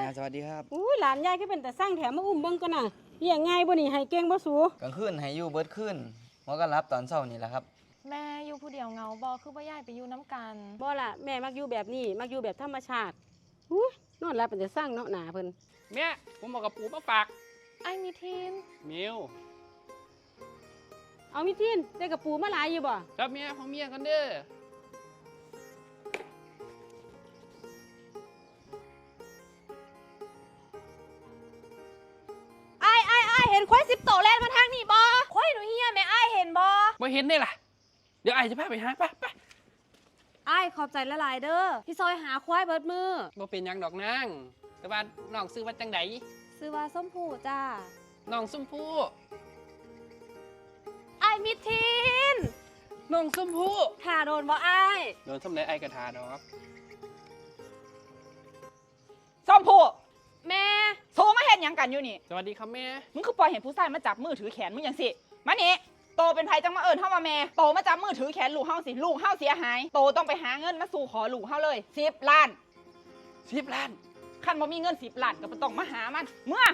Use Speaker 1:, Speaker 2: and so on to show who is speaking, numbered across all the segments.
Speaker 1: สวัสดีครับ
Speaker 2: อุ้ยหลานยายก็เป็นแต่สร้างแถมมาอุ้มเบิ่งก่อนน่ะเลี้ยงง่ายบ่นี่ให้เก่งบ่สู
Speaker 1: กลางคืนให้อยู่เบิดคืนหัวก็รับตอนเช้านี่แหละครับ
Speaker 3: แม่อยู่ผู้เดียวเงาบ่คือบ่ย้ายไปอยู่น้ำกัน
Speaker 2: บ่ล่ะแม่มักอยู่แบบนี้มักอยู่แบบธรรมชาติอุ้ยนอนหลับเป็นแต่สร้างเนาะหนาเพิ่น
Speaker 4: แม่ผมบอกกับปู่มาฝาก
Speaker 3: ไอ้มีทีน
Speaker 4: มิว
Speaker 2: เอามีทินได้กับปูมาหลายอยู่บ่
Speaker 4: ครับเมียของเมียกันเด้อ
Speaker 3: ไอ้เห็นควาย10 โตแล่นมาทางนี่บ่ควายหนูเฮียแม่ไอ้เห็นบ่
Speaker 4: บ่เห็นได้ล่ะเดี๋ยวไอ้จะพาไปหาไป
Speaker 3: ไอ้ขอบใจละลายเด้อที่ซอยหาควายเบิดมือ
Speaker 4: บ่เป็นหยังดอกนางแต่ว่าน้องซื้อว่าจังได
Speaker 3: ซื้อว่าส้มผูจ้า
Speaker 4: น้องส้มผู้
Speaker 3: ไอ้มีทีน
Speaker 4: น้องส้มผู้
Speaker 3: ถ่าโดนบ่ไอ้
Speaker 4: โดนส้มไหนไอ้กระทาดอก
Speaker 5: ส้มผู้
Speaker 3: แม่
Speaker 5: โทรมาเห็นยังกันอยู่นี่
Speaker 4: สวัสดีครับแม่
Speaker 5: มึงคือปล่อยเห็นผู้ชายมาจับมือถือแขนมึงอย่างสิมานี่โตเป็นไผจังมาเอิญเฮาว่าแม่โตมาจับมือถือแขนลูกเฮาสิลูกเฮาเสียหายโตต้องไปหาเงินมาสู่ขอลูกเฮาเลย10 ล้าน
Speaker 4: 10 ล้าน
Speaker 5: คันบ่มีเงิน10 ล้านก็บ่ต้องมาหามันเมื่อ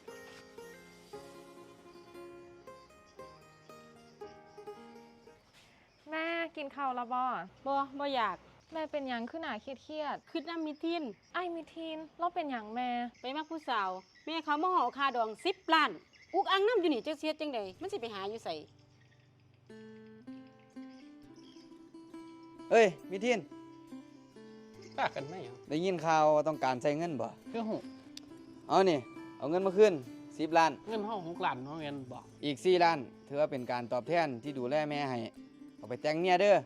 Speaker 3: แม่กินข้าวแล้วบ่
Speaker 2: บ่อยาก
Speaker 3: แม่เป็นหยังขึ้นหนาเครียด
Speaker 2: คิดนำมีทิน
Speaker 3: ไอ้มีทีนเราเป็นหยังแม่
Speaker 2: ไปมักผู้สาวแม่เขามาห่อค่าดอง10 ล้านอุกอังน้ำอยู่นี่จักเสียจังได๋มันสิไปหาอยู่ไส
Speaker 1: เอ้ยมิทิน
Speaker 4: ฝากกันไหมอ่ะ
Speaker 1: ได้ยินข่าวว่าต้องการใช้เงินบ่
Speaker 4: คือหู
Speaker 1: เอานี่เอาเงินมาคืน10 ล้าน
Speaker 4: เงินห้อง6 ล้านห้องเงินบอก
Speaker 1: อีก4 ล้านถือว่าเป็นการตอบแทนที่ดูแลแม่ให้เอาไปแต่งเมียเด้อ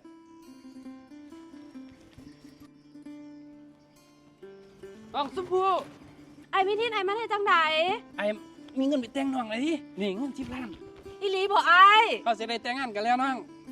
Speaker 4: น้องส้มผู้
Speaker 3: ไอ้มีทีนไอ้มาได้จังได
Speaker 4: ไอ้มีเงินไปแต่งน้องเลยที่นี่เงิน10 ล้าน
Speaker 3: อีหลีบ่ไอ้
Speaker 4: เขาจะได้แต่งงานกันแล้วน้อง